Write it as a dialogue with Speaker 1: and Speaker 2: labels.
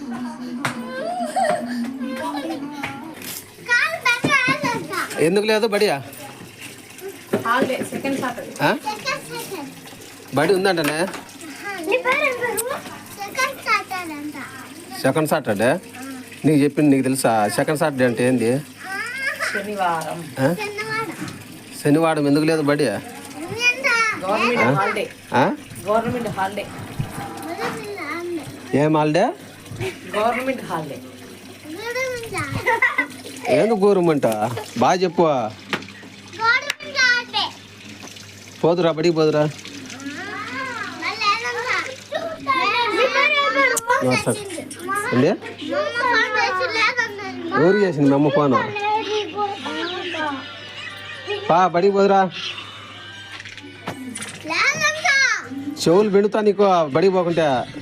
Speaker 1: ఎందుకు లేదు బడియా? బడి ఉందంటనే. సెకండ్ సాటర్డే నీకు చెప్పింది నీకు తెలుసా? సెకండ్ సాటర్డే అంటే ఏంది? శనివారం ఎందుకు లేదు బడి? ఏం హాలిడే? ఎందుకు గవర్నమెంట్? బాగా చెప్పు. పోదురా బడికి పోదురా. ఊరు చేసింది మీ అమ్మ ఫోను. బడికి పోదురా. చెవులు పెడుతా నీకు బడికి పోకుంటే.